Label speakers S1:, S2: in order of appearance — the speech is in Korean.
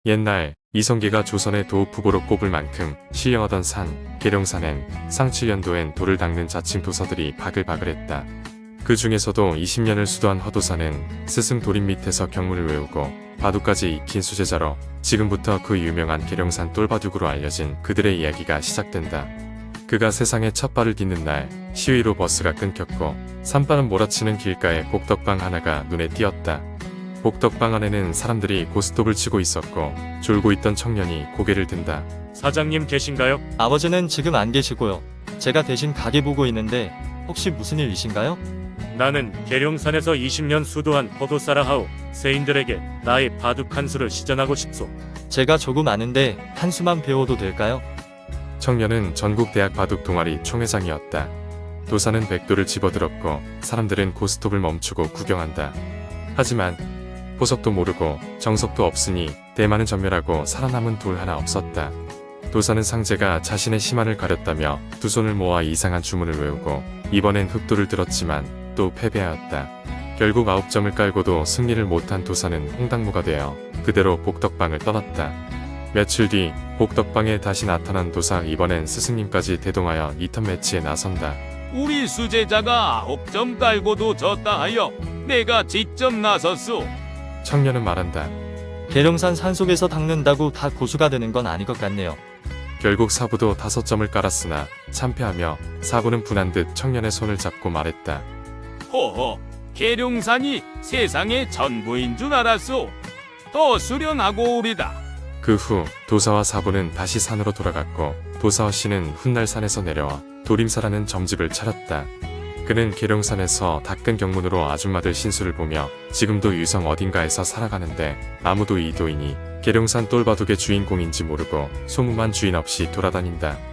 S1: 옛날 이성계가 조선의 도읍후보로 꼽을 만큼 신령하던 산 계룡산엔 상 7년도엔 돌을 닦는 자칭 도사들이 바글바글했다. 그 중에서도 20년을 수도한 허도사는 스승 도림 밑에서 경문을 외우고 바둑까지 익힌 수제자로 지금부터 그 유명한 계룡산 똘바둑으로 알려진 그들의 이야기가 시작된다. 그가 세상에 첫 발을 딛는 날 시위로 버스가 끊겼고 산바람 몰아치는 길가에 복덕방 하나가 눈에 띄었다. 복덕방 안에는 사람들이 고스톱을 치고 있었고 졸고 있던 청년이 고개를 든다.
S2: 사장님 계신가요?
S3: 아버지는 지금 안 계시고요. 제가 대신 가게 보고 있는데 혹시 무슨 일이신가요?
S2: 나는 계룡산에서 20년 수도한 포도사라 하오. 세인들에게 나의 바둑 한 수를 시전하고 싶소.
S3: 제가 조금 아는데 한 수만 배워도 될까요?
S1: 청년은 전국대학 바둑 동아리 총회장이었다. 도사는 백도를 집어들었고 사람들은 고스톱을 멈추고 구경한다. 하지만 보석도 모르고 정석도 없으니 대만은 전멸하고 살아남은 돌 하나 없었다. 도사는 상제가 자신의 심한을 가렸다며 두 손을 모아 이상한 주문을 외우고 이번엔 흑도를 들었지만 또 패배하였다. 결국 9점을 깔고도 승리를 못한 도사는 홍당무가 되어 그대로 복덕방을 떠났다. 며칠 뒤 복덕방에 다시 나타난 도사. 이번엔 스승님까지 대동하여 2턴 매치에 나선다.
S4: 우리 수제자가 9점 깔고도 졌다 하여 내가 직접 나섰소.
S1: 청년은 말한다.
S3: 계룡산 산속에서 닦는다고 다 고수가 되는 건 아닐 것 같네요.
S1: 결국 사부도 5점을 깔았으나 참패하며 사부는 분한 듯 청년의 손을 잡고 말했다.
S4: 호호, 계룡산이 세상의 전부인 줄 알았소. 더 수련하고 오리다.
S1: 그 후 도사와 사부는 다시 산으로 돌아갔고 도사와 씨는 훗날 산에서 내려와 도림사라는 점집을 차렸다. 그는 계룡산에서 닦은 경문으로 아줌마들 신수를 보며 지금도 유성 어딘가에서 살아가는데 아무도 이 도인이 계룡산 똘바둑의 주인공인지 모르고 소문만 주인 없이 돌아다닌다.